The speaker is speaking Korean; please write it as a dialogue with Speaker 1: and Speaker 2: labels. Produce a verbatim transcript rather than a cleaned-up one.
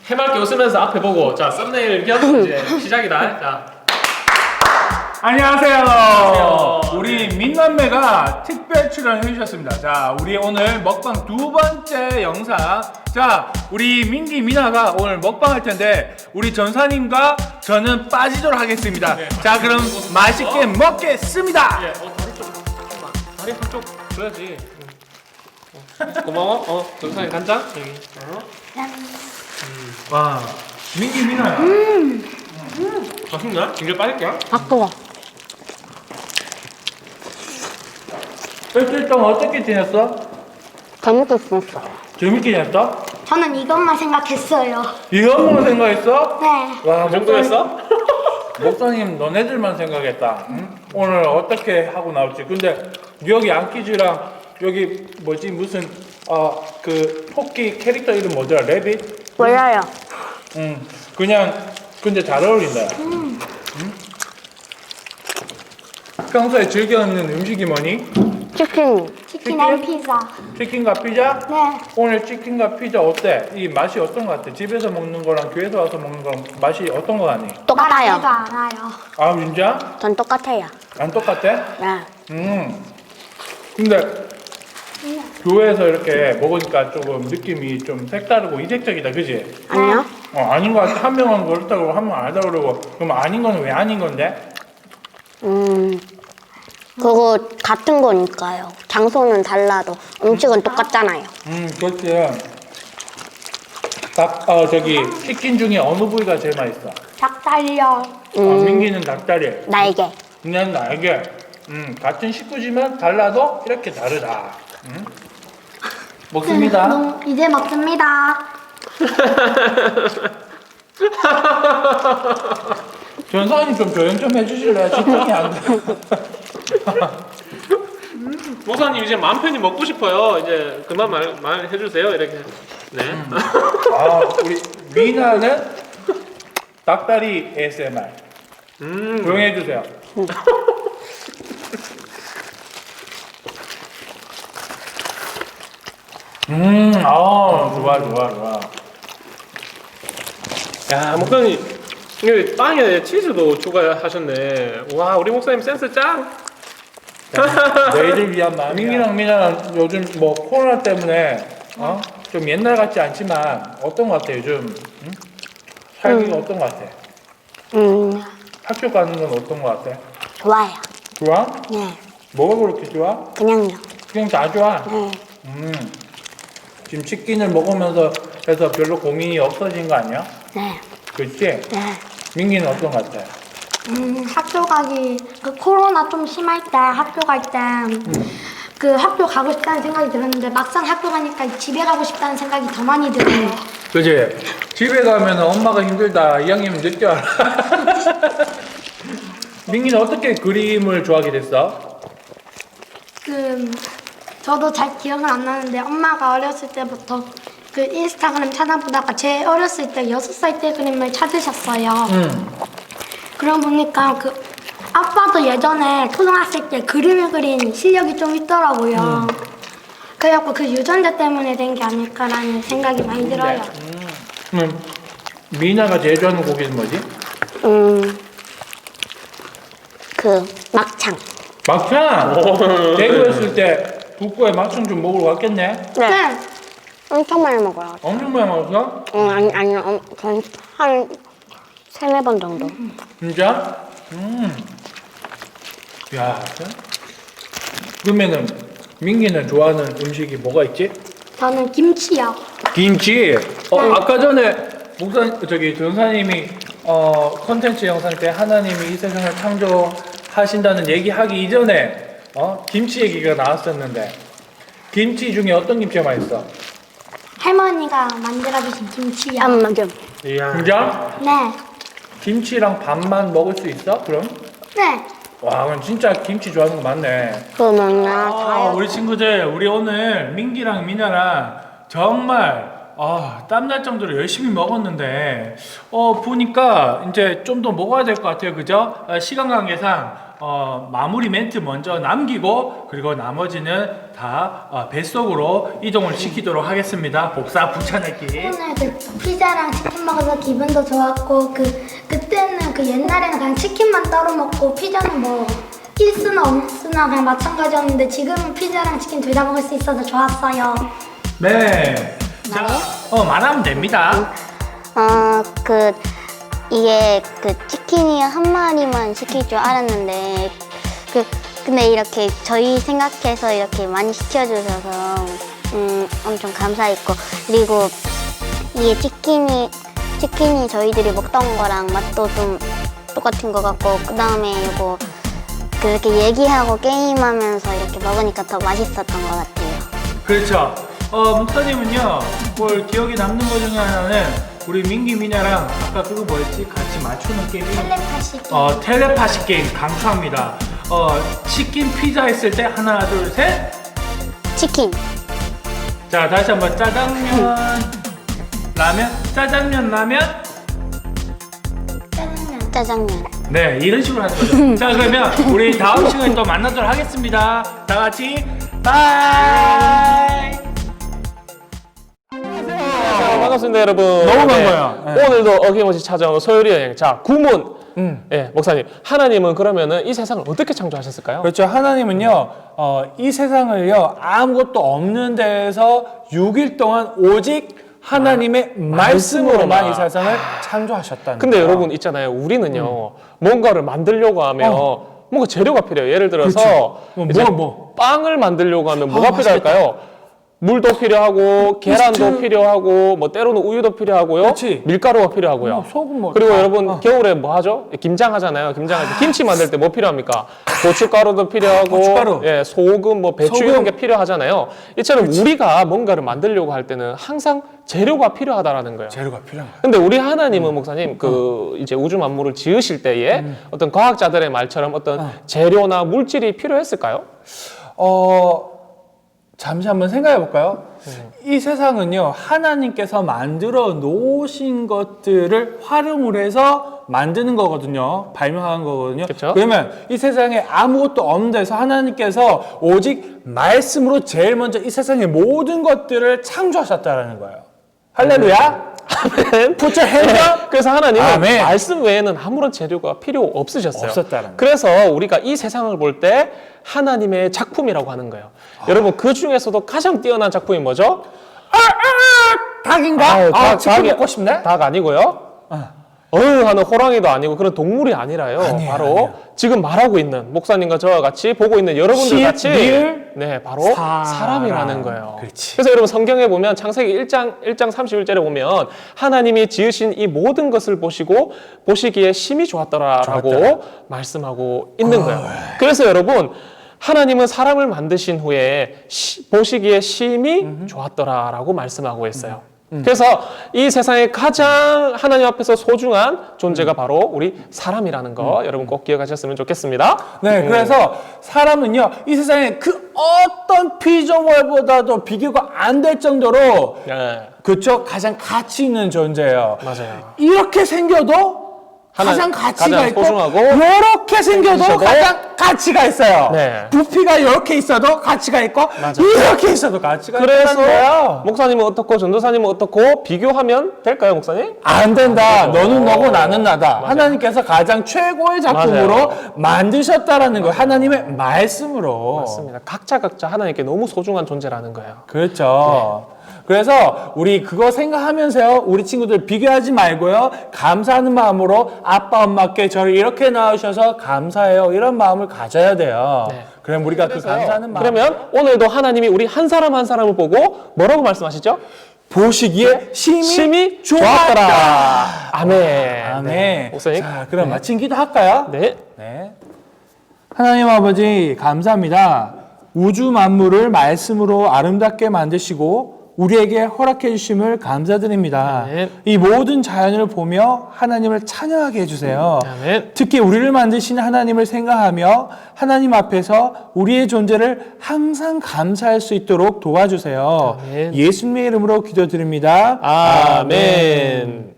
Speaker 1: 해맑게 웃으면서 앞에 보고 자 썸네일 겸 이제 시작이다. 자
Speaker 2: 안녕하세요.
Speaker 1: 안녕하세요.
Speaker 2: 우리 민남매가 특별 출연해 주셨습니다. 자, 우리 오늘 먹방 두 번째 영상. 자, 우리 민기 미나가 오늘 먹방 할 텐데 우리 전사님과 저는 빠지도록 하겠습니다.
Speaker 1: 네,
Speaker 2: 자, 그럼 맛있게 먹겠습니다.
Speaker 1: 예, 어 다리 좀 잠깐만. 다리 한쪽 줘야지. 응. 어, 고마워. 어 정상에 간장 여기. 어.
Speaker 2: 와, 민기 미나야.
Speaker 1: 맛있나? 진짜 빠질게요.
Speaker 3: 바꿔.
Speaker 2: 일주일 동안 어떻게 지냈어?
Speaker 3: 재밌게 지냈어.
Speaker 2: 재밌게 지냈어?
Speaker 4: 저는 이것만 생각했어요.
Speaker 2: 이것만 생각했어?
Speaker 4: 네.
Speaker 2: 와,
Speaker 1: 그 정도였어?
Speaker 2: 목사님 너네들만 생각했다. 응? 오늘 어떻게 하고 나올지. 근데 여기 양키즈랑 여기 뭐지 무슨 어 그 토끼 캐릭터 이름 뭐더라? 레빗?
Speaker 3: 몰라요.
Speaker 2: 응. 그냥 근데 잘 어울린다. 응? 평소에 즐겨 먹는 음식이 뭐니?
Speaker 3: 치킨.
Speaker 4: 치킨 앤 피자.
Speaker 2: 치킨과 피자?
Speaker 4: 네.
Speaker 2: 오늘 치킨과 피자 어때? 이 맛이 어떤 것 같아? 집에서 먹는 거랑 교회에서 와서 먹는 거랑 맛이 어떤 거 같니?
Speaker 3: 똑같아요.
Speaker 4: 제가 알아요.
Speaker 2: 아 진짜?
Speaker 3: 전 똑같아요.
Speaker 2: 안 똑같아?
Speaker 3: 네.
Speaker 2: 음. 근데 교회에서 이렇게 먹으니까 조금 느낌이 좀 색다르고 이색적이다, 그지?
Speaker 3: 아니요?
Speaker 2: 어, 아닌 것 같아. 한 명은 그렇다고 한 명은 아니다 그러고. 그럼 아닌 거는 왜 아닌 건데?
Speaker 3: 음. 그거 같은 거니까요. 장소는 달라도 음식은 똑같잖아요.
Speaker 2: 음, 그렇지. 닭, 어, 저기 치킨 중에 어느 부위가 제일 맛있어?
Speaker 4: 닭다리요.
Speaker 2: 어,
Speaker 3: 음.
Speaker 2: 민기는 닭다리.
Speaker 3: 날개.
Speaker 2: 그냥 날개. 음, 같은 식구지만 달라도 이렇게 다르다. 음? 먹습니다.
Speaker 4: 음, 이제 먹습니다.
Speaker 2: 전사님 좀 조용 좀 해주실래요? 집중이 안 돼.
Speaker 1: 목사님 이제 마음 편히 먹고 싶어요. 이제 그만 말, 말 해주세요. 이렇게. 네.
Speaker 2: 아, 우리 미나는 닭다리 에이에스엠알.
Speaker 1: 음.
Speaker 2: 조용히 해주세요. 음, 아, 좋아, 좋아, 좋아.
Speaker 1: 야 목사님 이게 빵에 치즈도 추가하셨네. 와 우리 목사님 센스 짱.
Speaker 2: 너희들 위한 마음. 민기랑 미나는 요즘 뭐 코로나 때문에 어? 좀 옛날 같지 않지만 어떤 것 같아 요즘? 응? 살기가 어떤 것 같아?
Speaker 3: 음.
Speaker 2: 학교 가는 건 어떤 것 같아?
Speaker 3: 좋아요.
Speaker 2: 좋아?
Speaker 3: 네.
Speaker 2: 뭐가 그렇게 좋아?
Speaker 3: 그냥요.
Speaker 2: 그냥 다 좋아.
Speaker 3: 네.
Speaker 2: 음. 지금 치킨을 먹으면서 해서 별로 고민이 없어진 거 아니야?
Speaker 3: 네.
Speaker 2: 그렇지?
Speaker 3: 네.
Speaker 2: 민기는 어떤 것 같아?
Speaker 4: 음, 학교 가기, 그 코로나 좀 심할 때 학교 갈 때, 그 학교 가고 싶다는 생각이 들었는데, 막상 학교 가니까 집에 가고 싶다는 생각이 더 많이 들어요.
Speaker 2: 그지? 집에 가면 엄마가 힘들다 이 양이면 느껴 알아. 민기는 어떻게 그림을 좋아하게 됐어?
Speaker 4: 그, 저도 잘 기억은 안 나는데, 엄마가 어렸을 때부터 그 인스타그램 찾아보다가 제 어렸을 때 여섯 살 때 그림을 찾으셨어요.
Speaker 2: 응.
Speaker 4: 그러고 보니까 그 아빠도 예전에 초등학생 때 그림을 그린 실력이 좀 있더라고요. 그래갖고 그 유전자 때문에 된 게 아닐까라는 생각이 많이 들어요.
Speaker 2: 음. 미나가 제일 좋아하는 고기는 뭐지?
Speaker 3: 음. 그 막창.
Speaker 2: 막창! 대구였을 때 북구에 막창 좀 먹으러 갔겠네?
Speaker 3: 네.
Speaker 4: 네.
Speaker 3: 엄청 많이 먹어요.
Speaker 2: 엄청 많이 먹었어?
Speaker 3: 음, 아니 아니 음, 전 한 세네 번 정도.
Speaker 2: 진짜? 음. 야, 진짜? 그러면은 민기는 좋아하는 음식이 뭐가 있지?
Speaker 4: 저는 김치요.
Speaker 2: 김치. 어,
Speaker 4: 네.
Speaker 2: 아까 전에 목사 저기 전사님이 어 컨텐츠 영상 때 하나님이 이 세상을 창조하신다는 얘기하기 이전에 어 김치 얘기가 나왔었는데 김치 중에 어떤 김치가 맛있어?
Speaker 4: 할머니가 만들어주신 김치요.
Speaker 3: 안 맞아.
Speaker 1: 이야.
Speaker 2: 진짜?
Speaker 4: 네.
Speaker 2: 김치랑 밥만 먹을 수 있어? 그럼?
Speaker 4: 네.
Speaker 2: 와, 그럼 진짜 김치 좋아하는 거 맞네.
Speaker 3: 그 뭐냐
Speaker 2: 아,
Speaker 3: 자요.
Speaker 2: 우리 친구들, 우리 오늘 민기랑 미나랑 정말 아, 땀날 정도로 열심히 먹었는데 어 보니까 이제 좀 더 먹어야 될 것 같아요, 그죠? 아, 시간 관계상 어, 마무리 멘트 먼저 남기고 그리고 나머지는 다 어, 뱃속으로 이동을 시키도록 하겠습니다. 복사 붙여넣기.
Speaker 4: 오늘 그 피자랑 치킨 먹어서 기분도 좋았고 그 그때는 그 옛날에는 그냥 치킨만 따로 먹고 피자는 뭐 일수나 없으나 그냥 마찬가지였는데 지금은 피자랑 치킨 둘 다 먹을 수 있어서 좋았어요.
Speaker 2: 네. 자, 어 말하면 됩니다.
Speaker 3: 어, 그 이게 그 치킨이 한 마리만 시킬 줄 알았는데 그 근데 이렇게 저희 생각해서 이렇게 많이 시켜주셔서 음 엄청 감사했고 그리고 이게 치킨이 치킨이 저희들이 먹던 거랑 맛도 좀 똑같은 것 같고 그 다음에 이거 그렇게 얘기하고 게임하면서 이렇게 먹으니까 더 맛있었던 것 같아요.
Speaker 2: 그렇죠. 어, 목사님은요, 뭘 기억에 남는 것 중에 하나는 우리 민기 미나랑 아까 그거 뭐였지? 같이 맞추는 게임.
Speaker 4: 텔레파시 게임.
Speaker 2: 어, 텔레파시 게임 강추합니다. 어, 치킨 피자 했을 때 하나, 둘, 셋.
Speaker 3: 치킨.
Speaker 2: 자, 다시 한번 짜장면, 라면, 짜장면, 라면.
Speaker 4: 짜장면.
Speaker 3: 짜장면.
Speaker 2: 네, 이런 식으로 하는 거죠. 자, 그러면 우리 다음 시간에 또 만나도록 하겠습니다. 다 같이 바이.
Speaker 1: 자, 반갑습니다, 여러분.
Speaker 2: 너무 반가워요. 네.
Speaker 1: 오늘도 어김없이 찾아온 소요리 여행. 자, 구문.
Speaker 2: 음.
Speaker 1: 예, 목사님. 하나님은 그러면은 이 세상을 어떻게 창조하셨을까요?
Speaker 2: 그렇죠. 하나님은요, 어, 이 세상을요, 아무것도 없는 데에서 육 일 동안 오직 하나님의 말씀으로만
Speaker 1: 말씀으로만.
Speaker 2: 이 세상을 창조하셨다는
Speaker 1: 근데
Speaker 2: 거예요.
Speaker 1: 여러분 있잖아요. 우리는요, 뭔가를 만들려고 하면 뭔가 재료가 필요해요. 예를 들어서
Speaker 2: 뭐,
Speaker 1: 이제
Speaker 2: 뭐, 뭐.
Speaker 1: 빵을 만들려고 하면 뭐가
Speaker 2: 아,
Speaker 1: 필요할까요? 물도 필요하고 계란도
Speaker 2: 미스트.
Speaker 1: 필요하고 뭐 때로는 우유도 필요하고요.
Speaker 2: 그렇지.
Speaker 1: 밀가루가 필요하고요.
Speaker 2: 뭐, 소금 뭐
Speaker 1: 그리고
Speaker 2: 다.
Speaker 1: 여러분
Speaker 2: 어.
Speaker 1: 겨울에 뭐 하죠? 김장 하잖아요. 김장할 때 김치 만들 때 뭐 필요합니까? 고춧가루도 필요하고
Speaker 2: 고춧가루.
Speaker 1: 예, 소금 뭐 배추
Speaker 2: 소금.
Speaker 1: 이런 게 필요하잖아요. 이처럼 우리가 뭔가를 만들려고 할 때는 항상 재료가 필요하다라는 거예요.
Speaker 2: 재료가 필요한 거예요.
Speaker 1: 근데 우리 하나님은 목사님 그 이제 우주 만물을 지으실 때에 어떤 과학자들의 말처럼 어떤 재료나 물질이 필요했을까요?
Speaker 2: 어, 잠시 한번 생각해 볼까요? 이 세상은요, 하나님께서 만들어 놓으신 것들을 활용을 해서 만드는 거거든요. 발명한 거거든요.
Speaker 1: 그쵸?
Speaker 2: 그러면 이 세상에 아무것도 없는 데서 하나님께서 오직 말씀으로 제일 먼저 이 세상의 모든 것들을 창조하셨다라는 거예요. 할렐루야!
Speaker 1: 아멘.
Speaker 2: Put your hand up!
Speaker 1: 그래서 하나님은
Speaker 2: 아멘.
Speaker 1: 말씀 외에는 아무런 재료가 필요 없으셨어요.
Speaker 2: 없었다는 거예요.
Speaker 1: 그래서 우리가 이 세상을 볼 때 하나님의 작품이라고 하는 거예요. 여러분 그 중에서도 가장 뛰어난 작품이 뭐죠?
Speaker 2: 닭인가?
Speaker 1: 아유,
Speaker 2: 아,
Speaker 1: 닭,
Speaker 2: 치킨
Speaker 1: 닭이-
Speaker 2: 먹고 싶네?
Speaker 1: 닭 아니고요. 어휴 하는 호랑이도 아니고 그런 동물이 아니라요.
Speaker 2: 아니에요,
Speaker 1: 바로
Speaker 2: 아니에요.
Speaker 1: 지금 말하고 있는 목사님과 저와 같이 보고 있는 여러분들
Speaker 2: 시,
Speaker 1: 같이
Speaker 2: 리을,
Speaker 1: 네 바로
Speaker 2: 사람.
Speaker 1: 사람이라는 거예요.
Speaker 2: 그렇지.
Speaker 1: 그래서 여러분 성경에 보면 창세기 일 장 일 장 삼십일 절에 보면 하나님이 지으신 이 모든 것을 보시고 보시기에 심히 좋았더라라고
Speaker 2: 좋았더라.
Speaker 1: 말씀하고 있는 거예요. 그래서 여러분 하나님은 사람을 만드신 후에 시- 보시기에 심히 좋았더라라고 말씀하고 있어요. 그래서 이 세상에 가장 하나님 앞에서 소중한 존재가 바로 우리 사람이라는 거 여러분 꼭 기억하셨으면 좋겠습니다.
Speaker 2: 네, 그래서 사람은요, 이 세상에 그 어떤 피조물보다도 비교가 안 될 정도로,
Speaker 1: 네,
Speaker 2: 그쵸? 가장 가치 있는 존재예요.
Speaker 1: 맞아요.
Speaker 2: 이렇게 생겨도
Speaker 1: 하나-
Speaker 2: 가장 가치가
Speaker 1: 가장
Speaker 2: 있고,
Speaker 1: 소중하고
Speaker 2: 이렇게 생겨도
Speaker 1: 생기셔도
Speaker 2: 가장 가치가 있어요.
Speaker 1: 네.
Speaker 2: 부피가 이렇게 있어도 가치가 있고, 이렇게 있어도 가치가 있다는
Speaker 1: 그래서
Speaker 2: 거예요.
Speaker 1: 목사님은 어떻고 전도사님은 어떻고 비교하면 될까요, 목사님?
Speaker 2: 안 된다.
Speaker 1: 안 되죠.
Speaker 2: 너는 너고 나는 나다.
Speaker 1: 맞아요.
Speaker 2: 하나님께서 가장 최고의 작품으로
Speaker 1: 맞아요.
Speaker 2: 만드셨다라는 거예요. 하나님의 말씀으로.
Speaker 1: 맞습니다. 각자 각자 하나님께 너무 소중한 존재라는 거예요.
Speaker 2: 그렇죠. 그래서 우리 그거 생각하면서요, 우리 친구들 비교하지 말고요, 감사하는 마음으로 아빠 엄마께 저를 이렇게 낳으셔서 감사해요, 이런 마음을 가져야 돼요.
Speaker 1: 네.
Speaker 2: 그럼 우리가 그 감사하는 마음
Speaker 1: 그러면 오늘도 하나님이 우리 한 사람 한 사람을 보고 뭐라고 말씀하시죠?
Speaker 2: 보시기에 심히,
Speaker 1: 심히
Speaker 2: 좋았더라.
Speaker 1: 좋았더라. 아멘.
Speaker 2: 아멘.
Speaker 1: 네. 목사님.
Speaker 2: 자, 그럼 마친 기도 할까요?
Speaker 1: 네.
Speaker 2: 네. 하나님 아버지 감사합니다. 우주 만물을 말씀으로 아름답게 만드시고 우리에게 허락해 주심을 감사드립니다.
Speaker 1: 아멘.
Speaker 2: 이 모든 자연을 보며 하나님을 찬양하게 해주세요.
Speaker 1: 아멘.
Speaker 2: 특히 우리를 만드신 하나님을 생각하며 하나님 앞에서 우리의 존재를 항상 감사할 수 있도록 도와주세요.
Speaker 1: 아멘.
Speaker 2: 예수님의 이름으로 기도드립니다.
Speaker 1: 아멘.